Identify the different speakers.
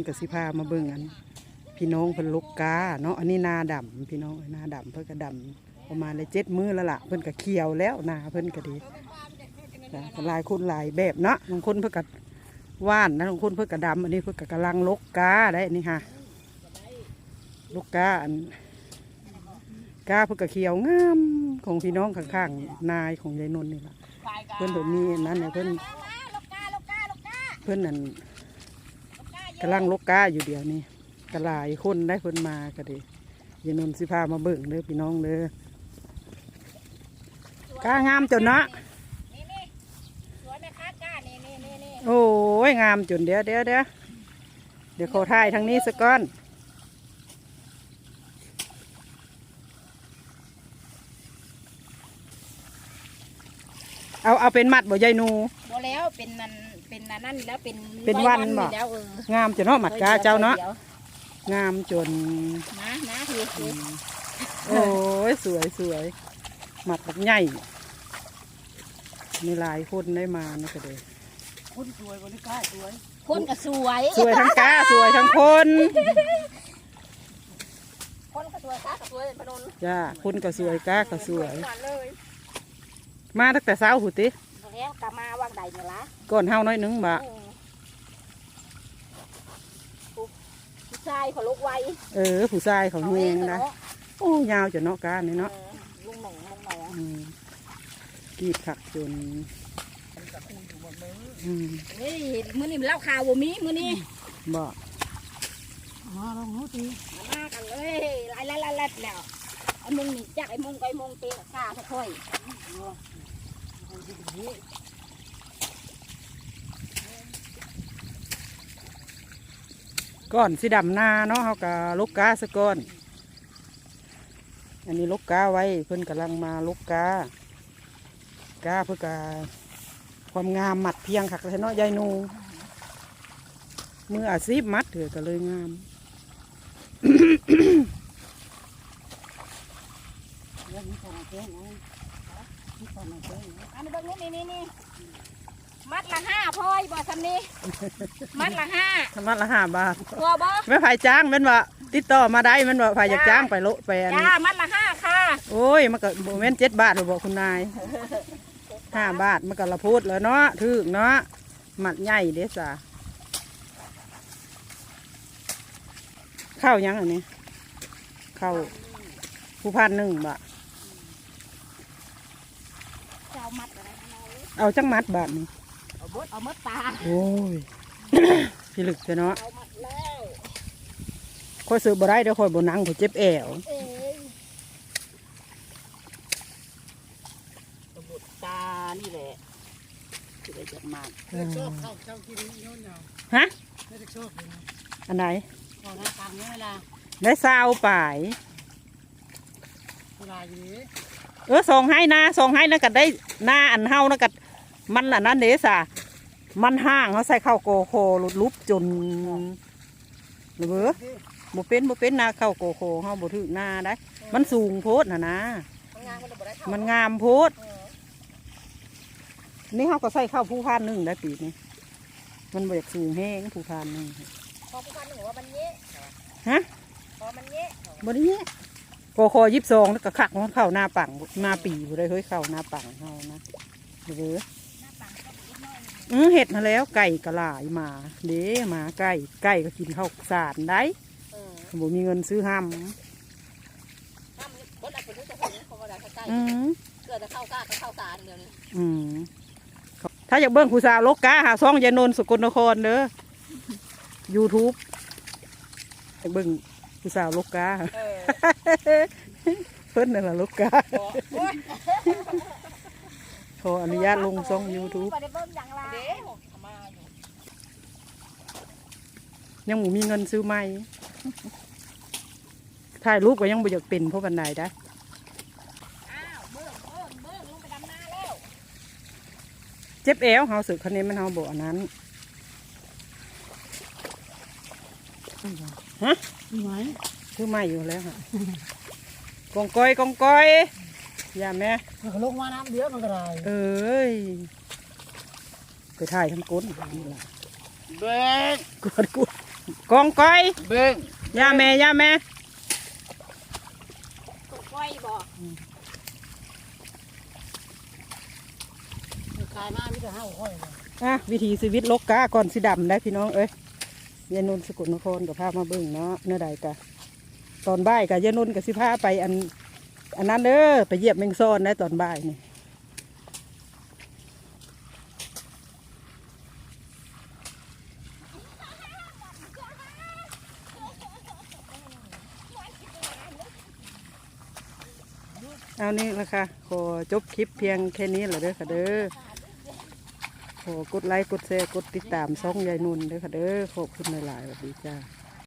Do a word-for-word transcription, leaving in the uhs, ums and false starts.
Speaker 1: กับสิพามาเบิ่งอันพี่น้องเพิ่นลกกาเนาะอันนี้นาดำพี่น้องนาดำเพิ่นก็ดำประมาณเลยเจ็ดมื้อแล้วล่ะเพิ่นก็เขียวแล้วนาเพิ่นก็ดีหลายคนหลายแบบเนาะบางคนเพิ่นก็ว่านนะบางคนเพิ่นก็ดำอันนี้เพิ่นก็กำลังลกกาได้นี่ค่ะลกกาอันกาเพิ่นก็เขียวงามของพี่น้องข้างๆนายของยายนนท์นี่ล่ะเพิ่นเพิ่นมีนั้นเนี่ยเพิ่นเพิ่นนั่นกำลังลกกาอยู่เดียวนี่กระลายคนได้คนมาก็ดียายนนท์สิพามาเบิ่งเด้อพี่น้องเด้อกางามจนเนาะโอ้ยงามจนเดี๋ยวเดี๋ยวเดี๋ยวเดี๋ยวเขาถ่ายทางนี้สักก้อนเอาเอาเป็นมัดบ่ยายนู
Speaker 2: บ่แล้วเป็นนั่นเป็นนั่นแล้วเป็น
Speaker 1: เป็นวันบ่งามจนเนาะหมัดกาเจ้าเนาะงามจน
Speaker 2: นะนะคือคือ
Speaker 1: โอ้ยสวยสวยหมัดแบบใหญ่มีหลายคนได้มานี่ก็เลย
Speaker 2: คนสวยคนกาสวยคนก็สวย
Speaker 1: สวยทั้งกาสวยทั้งคน
Speaker 2: คนก็สวยกาก็สวยพนน
Speaker 1: จ้าคนก็สวยกาก็สวยมาตั้งแต่เช้าหูติ
Speaker 2: แล้วกะมาวางใดเนี่ยละ
Speaker 1: ก่อนเฮาน้อยนึงบ่
Speaker 2: ผู้ชายเขาลุกไว
Speaker 1: เออผู้ชายเขาเฮงนะโอ้ยาวจนเนาะกาเนี่ยเนาะ
Speaker 2: ลุงหนุ่มลุงหนุ่ม
Speaker 1: กีบผักจน
Speaker 2: เฮ้ยมื้อนี้มันเล่าข่าวบ่มีมื้อนี้
Speaker 1: บ่
Speaker 2: มาลองนู้ตีมากันเลยไล่ไล่ไล่ไล่แล้วไอ้มึงนี่จักไอ้มึงไอ้มึงเตะกาค่อย
Speaker 1: ก้อนสีดำนาเนาะเขากะลกกาสะก้อนอันนี้ลกกาไว้เพิ่นกำลังมาลกกากาเพื่อกาความงามมัดเพียงขักเลยเนาะยายนูมืออาชีพมัดเถื่อก็เลยงาม
Speaker 2: อันนี้เบิ่งนี่นี่นี่มัดละห้าพอยบ่ทำนี่มัดละห้า
Speaker 1: มัดละห้าบาท
Speaker 2: ตัวบ่
Speaker 1: ไม่ผ่ายจ้างเป็นว่าติดต่อมาได้มันว่าผ่ายอยากจ้างไปโลไปอันนี้
Speaker 2: จ้ามัดละห้าค่ะ
Speaker 1: โอ้ยมันก็โมเมนต์เจ็ดบาทหรือบอกคุณนายห้าบาทมันก็ละพูดแล้วเนาะถึกเนาะมัดใหญ่เด้ซ่าข้าวยังอันนี้ข้าวผู้พันหนึ่งบาทเอาจังมัดบาทนี่
Speaker 2: เอามดเอามดตา
Speaker 1: โอ้ยพี่ลึกเนาะค่อยซื้อบ่ได้เดี๋ยวค่อยบ่นั่งค่อยเจ็บแอว
Speaker 2: มดตานี่แหละที่ได้จับมา
Speaker 1: ฮะอันไหนได้ซาวป่ายเออส่งให้นะส่งให้นะกัดได้หน้าอันเฮานะกัดมันอันนั้นเดซ่ามันห้างเขาใส่ข้าวโกโคลุดลุบจนหรือเปล่าบ่เป็นบ่เป็นนาข้าวโกโคเขาบ่ถึงหน้าได้มันสูงโพดนะนะมันงามโพดนี่เขาก็ใส่ข้าวผู้พานหนึ่งได้ปีนี้มันบ่อยากสูงแห้งผู้พานหนึ่ง
Speaker 2: พอผู้พานหนึ่งว่ามันเยอะ
Speaker 1: ฮะ
Speaker 2: พอมันเยอะ
Speaker 1: บ่ได้เยอะโกโคยิบซองแล้วก็ขักมันเข้าหน้าปังหน้าปีบ่ได้เฮ้ยเข้าหน้าปังเขานะหรืออือเห็ดมาแล้วไก่กระลายมาเด้มาไก่ไก่ก็กินข้าวสารได้บ่มีเงินซื้อห้ำอืม
Speaker 2: เกิดจะเข้าก้าเข้าสารเดี๋ยวนี้
Speaker 1: อืมถ้าอยากเบิ้งผู้สาวลกกาหาซ่องยายนนท์สกลนครเด้อยูทูบอยากเบิ้งผู้สาวลกกาเพิ่นนั่นแหละลกกาขออนุญาตลงช่องยูทูบยังหมูมีเงินซื้อไหมถ่ายรูปก็ยังบ่อยากเป็นเพราะบันไดได้เจ็บเอวเฮาสึกคันนี้มันเฮาบอกอันนั้นฮะคือไหมคือไม่อยู่แล้วค่ะกองก้อยกองก้อยอย่าแม่
Speaker 2: ลงมาน้ำเยอะมันก็ได้
Speaker 1: เอ้ยไปถ่ายทั้งก้นนี่แหละ
Speaker 2: เบ๊ก
Speaker 1: กดกุดกองก้อย
Speaker 3: เบิ้ง
Speaker 1: ย่าแม่ย่าแม่
Speaker 2: ตกก้อยบ่ขายมามีแต่ห้าก้อยเลย
Speaker 1: อ่ะวิถีชีวิตลกกาก่อนสิดำได้พี่น้องเอ้ยยายนุ่นสกุลนครกับพามาเบิ่งเนาะเนื้อใดกะตอนบ่ายกับยายนุ่นกับสิพาไปอันอันนั้นเด้อไปเหยียบแมงซ่อนได้ตอนบ่ายนี่เอานี่ละค่ะขอจบคลิปเพียงแค่นี้แหละเด้อค่ะเด้อขอกดไลค์กดแชร์กดติดตามช่องยายนุ่นเด้อค่ะเด้อขอบคุณหลายๆสวัสดีจ้า